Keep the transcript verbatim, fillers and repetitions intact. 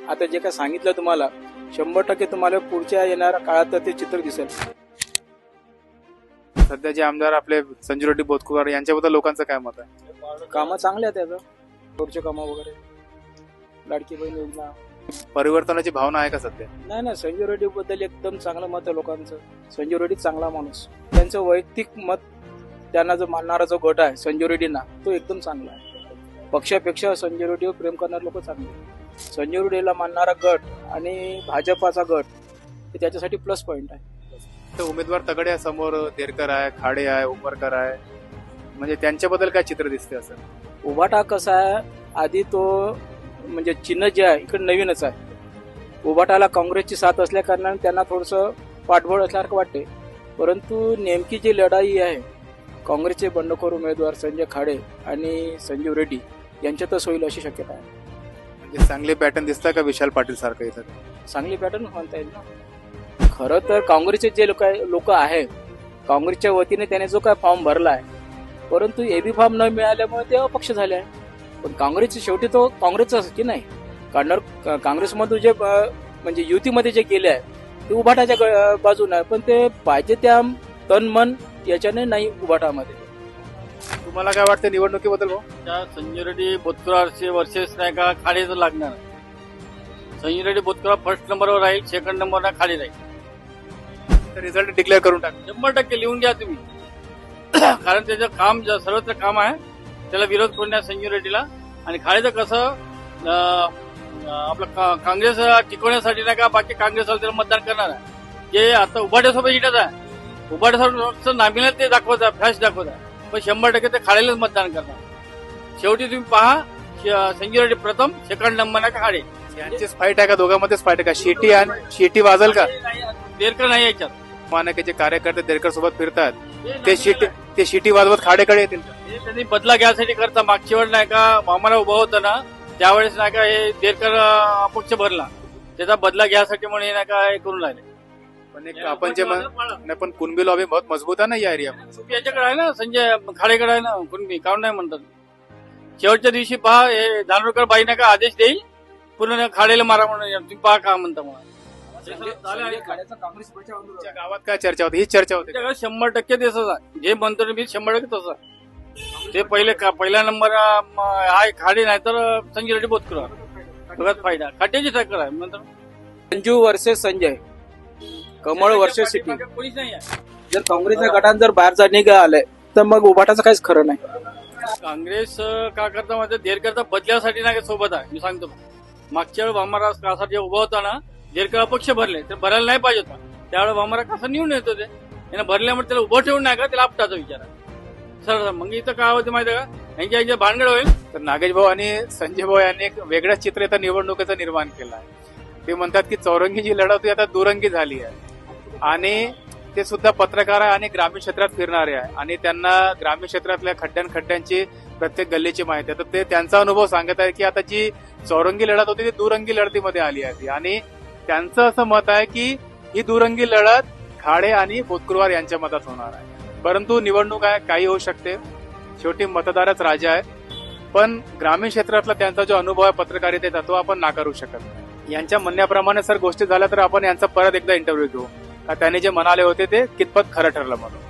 आता जे काय सांगितलं तुम्हाला शंभर टक्के तुम्हाला पुढच्या येणाऱ्या काळात ते चित्र दिसेल. सध्या जे आमदार आपले संजू रेड्डी बोतकुवार यांच्याबद्दल लोकांचं काय मत आहे? कामं चांगले आहेत त्याचं, पुढचे कामं वगैरे, लाडकी बहीण योजना. परिवर्तनाची भावना आहे का सध्या? नाही ना, संजू रेड्डी बद्दल एकदम चांगलं मत आहे लोकांचं. संजू रेड्डी चांगला माणूस, त्यांचं वैयक्तिक मत त्यांना जो मानणारा जो गट आहे संजू रेड्डींना तो एकदम चांगला आहे. पक्षापेक्षा संजय रेड्डीवर प्रेम करणारे लोक चांगले. संजय रेड्डीला मानणारा गट आणि भाजपाचा गट हे त्याच्यासाठी प्लस पॉइंट आहे. तर उमेदवार तगडे आहे, समोर देरकर आहे, खाडे आहे, उमरकर आहे, म्हणजे त्यांच्याबद्दल काय चित्र दिसते? असं उभाटा कसा आहे, आधी तो म्हणजे चिन्ह जे आहे इकडे नवीनच आहे. उभाटाला काँग्रेसची साथ असल्या कारणाने त्यांना थोडंसं पाठबळ असल्यासारखं वाटते. परंतु नेमकी जी लढाई आहे काँग्रेसचे बंडखोर उमेदवार संजय खाडे आणि संजीव रेड्डी यांच्यातच होईल अशी शक्यता आहे. म्हणजे चांगले पॅटर्न दिसतात का विशाल पाटील सारखं इथं? चांगली पॅटर्न म्हणता येईल ना. खरं तर काँग्रेसचे जे लोक लोक आहे काँग्रेसच्या वतीने त्याने जो काय फॉर्म भरला आहे, परंतु एबी फॉर्म न मिळाल्यामुळे ते अपक्ष झाले आहे. पण काँग्रेसचे शेवटी तो काँग्रेसचाच की नाही. कारण काँग्रेसमधून जे म्हणजे युतीमध्ये जे गेले आहे ते उभाटाच्या बाजूने आहे, पण ते पाहिजे त्या तन मन याच्याने नाही उभाटामध्ये. तुम्हाला काय वाटतं निवडणुकीबद्दल भाऊ? त्या संजय रेड्डी बोतकुरारचे वर्सेस नाही का खाडेच लागणार. संजय रेड्डी बोतकुरार फर्स्ट नंबरवर राहील, सेकंड नंबरला खाडे राहील. रिझल्ट डिक्लेअर करून टाक. शंभर टक्के लिहून घ्या तुम्ही. कारण त्याचं काम ज- सर्वत्र काम आहे, त्याला विरोध करण्यास संजय रेड्डीला. आणि खाडेचं कसं अं, आपलं का- काँग्रेस टिकवण्यासाठी नाही का बाकी काँग्रेसवाले त्याला मतदान करणार आहे. जे आता उभाट्यासोबत येण्यात आहे, उभाट्यासोबत नामिला ते दाखवत आहे, फ्लॅश दाखवत आहे, पण शंभर टक्के ते खाडेलाच मतदान करणार. शेवटी तुम्ही पहा, श- संजय रेड्डी प्रथम, सेकंड नंबर नाही का खाडे. यांचीच फाईट आहे का? दोघांमध्येच फाईट आहे का? शेटी आणि शेटी वाजल का? देरकर नाही याच्यात. मानकेचे कार्यकर्ते देरकर सोबत फिरतात, ते शिटी ते शिटी वाजवत खाडेकडे येतील का? हे त्यांनी बदला घ्यायसाठी करता. मागच्या वेळेस नाही का आम्हाला उभं होतं ना, त्यावेळेस नाही का हे देरकर अं, अपक्ष भरला, त्याचा बदला घ्यायसाठी म्हणून हे नाही का हे करून राहिले. पण एक आपण जे म्हण- नाही, पण कुणबी लॉबी बहुत मजबूत आहे ना या एरियामध्ये. याच्याकडे आहे ना, संजय खाडेकडे आहे ना, कुणबी काऊन नाही म्हणतात. शेवटच्या दिवशी पहा, हे धानोरकर बाई नाही का आदेश देईल पूर्ण खाडेला मारा म्हणून, तुम्ही पहा का म्हणता मला. तुमच्या गावात काय चर्चा होती? हीच चर्चा होती का? त्याच्याकडे शंभर टक्के तसंच आहे. जे म्हणतो ना मी शंभर टक्के तसं आहे. ते पहिले का पहिला नंबर आहे खाडे, नाही तर संजय रेड्डी बोतकुरार. बघत फायदा खाट्याची टक्कर आहे म्हणतो. संजू वर्सेस संजय, कमळ वर्सेस सिटी. कोणीच नाही आहे. जर काँग्रेसच्या गटात जर बाहेर जाणे आलंय तर मग उभाटाचं काहीच खरं नाही. काँग्रेस अं, का करता माहिती, देरकरता बदल्यासाठी नाही का सोबत आहे. मी सांगतो, मागच्या वेळी भामारा कासा जे उभा होता ना, देरकर अपक्ष भरले तर भरायला नाही पाहिजे होता. त्यावेळेस भामारा कासा निवडून येत होते, यानं भरल्यामुळे त्याला उभं ठेवून नाही का त्याला आपटाचा विचार आहे. सर मग इथं काय होतं माहिती आहे का, यांच्या यांच्या भानगड होईल. तर नागेश भाऊ आणि संजय भाऊ यांनी एक वेगळंच चित्र आता निवडणुकीचं निर्माण केलं आहे. ते म्हणतात की चौरंगी जी लढत होती आता दुरंगी झाली आहे, आणि ते सुद्धा पत्रकार आहे आणि ग्रामीण क्षेत्रात फिरणारे आहे, आणि त्यांना ग्रामीण क्षेत्रातल्या खड्ड्यां खड्ड्यांची प्रत्येक गल्लीची माहिती आहे. तर ते त्यांचा अनुभव सांगत आहे की आता जी चौरंगी लढत होती ती दुरंगी लढतीमध्ये आली आहे, आणि त्यांचं असं मत आहे की ही दुरंगी लढत खाडे आणि बोतकुरवार यांच्या मतात होणार आहे. परंतु निवडणूक आहे, काही होऊ शकते, शेवटी मतदारच राजा आहे. पण ग्रामीण क्षेत्रातला त्यांचा जो अनुभव आहे पत्रकारितेचा तो आपण नाकारू शकत नाही. यांच्या म्हणण्याप्रमाणे सर गोष्टी झाल्या तर आपण यांचा परत एकदा इंटरव्ह्यू घेऊ का त्यांनी जे म्हणाले होते ते कितपत खरं ठरलं म्हणून.